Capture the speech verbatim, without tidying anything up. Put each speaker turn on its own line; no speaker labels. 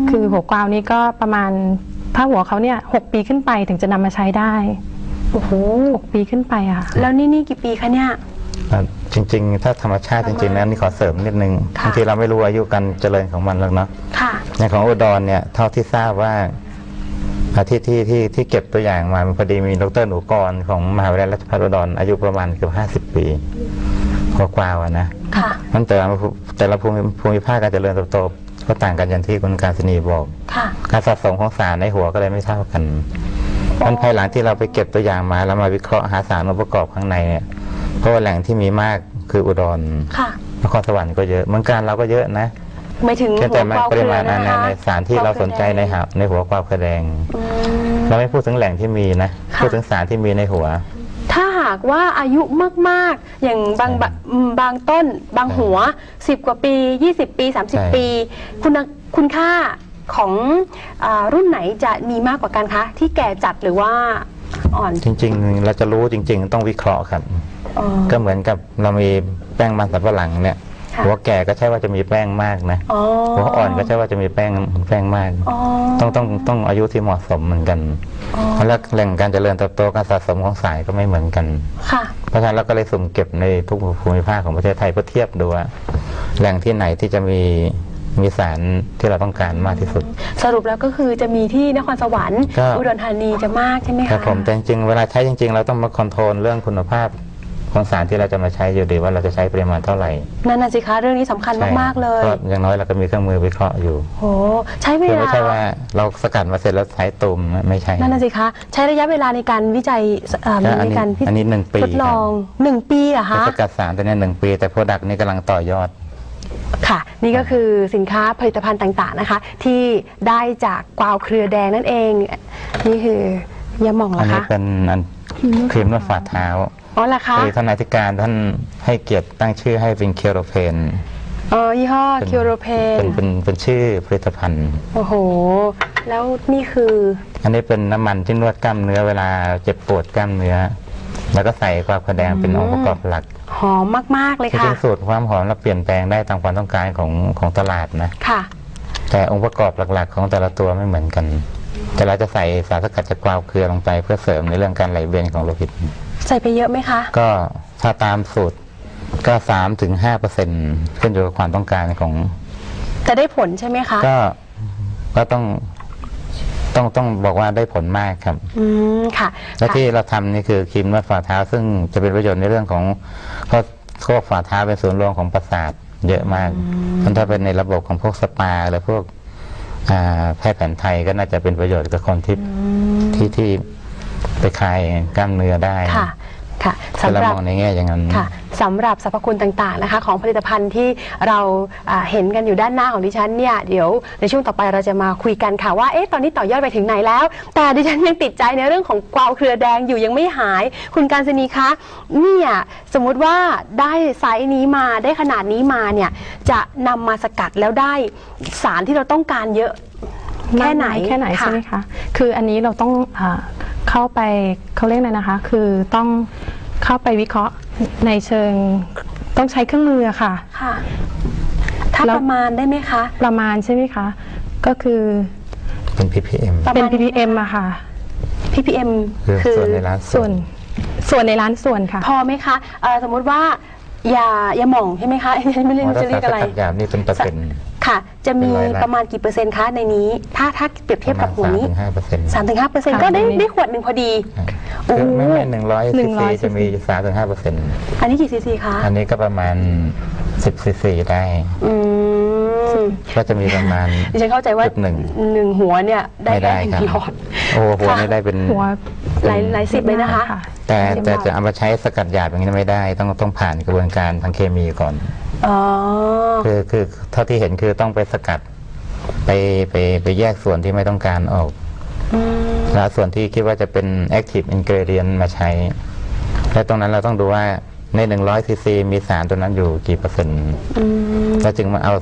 คือหัวกวาวนี้ก็ประมาณถ้าหัวเขาเนี่ยหกปีขึ้นไปถึงจะนำมาใช้ได้
โอ้โห
หกปีขึ้นไปอ่ะ
แล้วนี่นี่กี่ปีคะเนี่ย
จริงๆถ้าธรรมชาติจริงๆนะนี่ขอเสริมนิดนึงบางทีเราไม่รู้อายุการเจริญของมันแล้วเนาะอย่างของอุดรเนี่ยเท่าที่ทราบว่าที่ที่ที่ที่เก็บตัวอย่างมาพอดีมีดร.หนูกรของมหาวิทยาลัยราชภัฏอุดรอายุประมาณเกือบห้าสิบปีหัวกวาวนะมันแต่แต่ละภูมิภูมิภาคการเจริญเติบโตก็ต่างกันอย่างที่คุณการศนีบอกการสะสมของสารในหัวก็เลยไม่เท่ากันมันภายหลังที่เราไปเก็บตัวอย่างมาแล้วมาวิเคราะห์หาสารองค์ประกอบข้างในเนี่ยเพราะว่าแหล่งที่มีมากคืออุดรนครสวรรค์ก็เยอะเมืองการเราก็เยอะนะ
ไม่ถึงหัวกวาว
ปริมาณในในสารที่เราสนใจในหัวในหัวกวาวแดงเราไม่พูดถึงแหล่งที่มีนะพูดถึงสารที่มีในหัว
ถ้าหากว่าอายุมากๆอย่างบางบางต้นบางหัวสิบกว่าปียี่สิบปีสามสิบปีคุณคุณค่าของรุ่นไหนจะมีมากกว่ากันคะที่แก่จัดหรือว่าอ่อน
จริงๆเราจะรู้จริงๆต้องวิเคราะห์ครับก็เหมือนกับเรามีแป้งมันสำปะหลังเนี่ยหัวแก่ก็ใช่ว่าจะมีแป้งมากนะหัวอ่อนก็ใช่ว่าจะมีแป้งแป้งมากต้องต้องต้องอายุที่เหมาะสมเหมือนกันแล้วแหล่งการเจริญเติบโตการสะสมของสายก็ไม่เหมือนกันเพราะฉะนั้นเราก็เลยสุ่มเก็บในทุกภูมิภาคของประเทศไทยเพื่อเทียบดูว่าแหล่งที่ไหนที่จะมีมีสารที่เราต้องการมากที่สุด
สรุปแล้วก็คือจะมีที่นครสวรรค์อุดรธานีจะมากใช่ไหมคะ
ครับผมแต่จริงๆเวลาใช้จริงๆเราต้องมาคอนโทรลเรื่องคุณภาพของสารที่เราจะมาใช้อยู่ดีว่าเราจะใช้ปริมาณเท่าไหร่
นั่นน่ะสิคะเรื่องนี้สำคัญมากๆเลย
อย่างน้อยเราก็มีเครื่องมือวิเคราะห์อยู่
โอ้ใช้เวลา
ไม่ใช่ว่าเราสกัดมาเสร็จแล้วใช้ตุ่มไม่ใช่
นั่นน่ะสิคะใช้ระยะเวลาในการวิจัยในการ
อันนี้หนึ่งปี
ทดลองหนึ่งปีเหรอคะ
สกัดสารตัวนี้หนึ่งปีแต่โปรดักต์นี้กำลังต่อยอด
ค่ะนี่ก็คือสินค้าผลิตภัณฑ์ต่างๆนะคะที่ได้จากกวาวเครือแดงนั่นเองนี่คือยาหม่องเหรอคะ
อันนี้เป็นครีมนวดฝ่าเท้า
อ๋อเหรอคะ
ท่านอธิการท่านให้เกียรติตั้งชื่อให้เป็นเคียวโรเพน
อ๋อยี่ห้อเคียวโรเพน
เป็นเป็นเป็นชื่อผลิตภัณฑ์
โอ้โหแล้วนี่คือ
อันนี้เป็นน้ำมันที่นวดกล้ามเนื้อเวลาเจ็บปวดกล้ามเนื้อแล้วก็ใส่กวาวเครือแดงเป็นองค์ประกอบหลัก
หอมมากๆเลยค่ะ
จริงๆสูตรความหอมเราเปลี่ยนแปลงได้ตามความต้องการของของตลาดนะ
ค่ะ
แต่องค์ประกอบหลักๆของแต่ละตัวไม่เหมือนกันแต่เราจะใส่สารสกัดจากกวาวเครือลงไปเพื่อเสริมในเรื่องการไหลเวียนของโลหิต
ใส่ไปเยอะไหมคะ
ก็ถ้าตามสูตรก็สามถึงห้าเปอร์เซ็นต์ขึ้นอยู่กับความต้องการของ
จะได้ผลใช่ไหมคะ
ก็ก็ต้องต้องต้องบอกว่าได้ผลมากครับ
อืมค่ะ
และที่เราทำนี่คือครีมนวดฝ่าเท้าซึ่งจะเป็นประโยชน์ในเรื่องของเพราะพวกฝ่าเท้าเป็นศูนย์รวมของประสาทเยอะมากมันถ้าเป็นในระบบของพวกสปาหรือพวกแพทย์แผนไทยก็น่าจะเป็นประโยชน์กับคนที่ที่ที่ไปคลายกล้ามเนื้อได้
ค่ะค่ะ
สำหรับในแง่อย่างนั้น
ค่ะสำหรับสรรพคุณต่างๆนะคะของผลิตภัณฑ์ที่เราเห็นกันอยู่ด้านหน้าของดิฉันเนี่ยเดี๋ยวในช่วงต่อไปเราจะมาคุยกันค่ะว่าเอ๊ะตอนนี้ต่อยอดไปถึงไหนแล้วแต่ดิฉันยังติดใจในเรื่องของกวาวเครือแดงอยู่ยังไม่หายคุณการศนีคะเนี่ยสมมุติว่าได้ไซส์นี้มาได้ขนาดนี้มาเนี่ยจะนำมาสกัดแล้วได้สารที่เราต้องการเยอะแค่ไหน
แค่ไหนใช่ไหมคะคืออันนี้เราต้องเข้าไปเขาเรียกอะไรนะคะคือต้องเข้าไปวิเคราะห์ในเชิงต้องใช้เครื่องมือค่ะ
ค่ะถ้าประมาณได้ไหมคะ
ประมาณใช่ไหมคะก็คือ
เป็น พี พี เอ็ม
เป็น พี พี เอ็ม อะค่ะ
พี พี เอ็ม
คือส่วนในร้าน
ส่วนส่วนในร้านส่วนค่ะ
พอไหมคะสมมุติว่ายายาหม่องใช่ไหมคะไม่รู้จะเรียกอะไร
ยานี่เป็นเปอร์เซ็นต์
ค่ะจะมีประมาณกี่เปอร์เซ็นต์คะในนี้ถ้าถ้าเปรียบเทียบกับหัวนี้สามถึงห้าเปอร์เซ็นต์ก็ได้ได้ขวดหนึ่งพอดี
โอ้ไม่ไม่หนึ่งร้อยซีซีจะมีสามถึงห้าเปอร์เซ็นต์
อันนี้กี่ซีซีคะ
อันนี้ก็ประมาณสิบซีซีได้ก็จะมีประมาณ
ดิฉันเข้าใจว่าหนึ่งหนึ่งหัวเนี่ยได้แค่หนึ่งหลอด
โอ้หัวนี่ได้เป็น
หัว
หลายหลายสิบเลยนะคะ
แต่แต่จะเอามาใช้สกัดหยาบอย่างนี้ไม่ได้ต้องต้องผ่านกระบวนการทางเคมีก่อนคือคือเท่าที่เห็นคือต้องไปสกัดไปไปไปแยกส่วนที่ไม่ต้องการออกแล้วส่วนที่คิดว่าจะเป็น active ingredient มาใช้และตรงนั้นเราต้องดูว่าในหนึ่งร้อยซีซีมีสารตัวนั้นอยู่กี่เปอร์เซ็นต์แล้วจึงมาเอา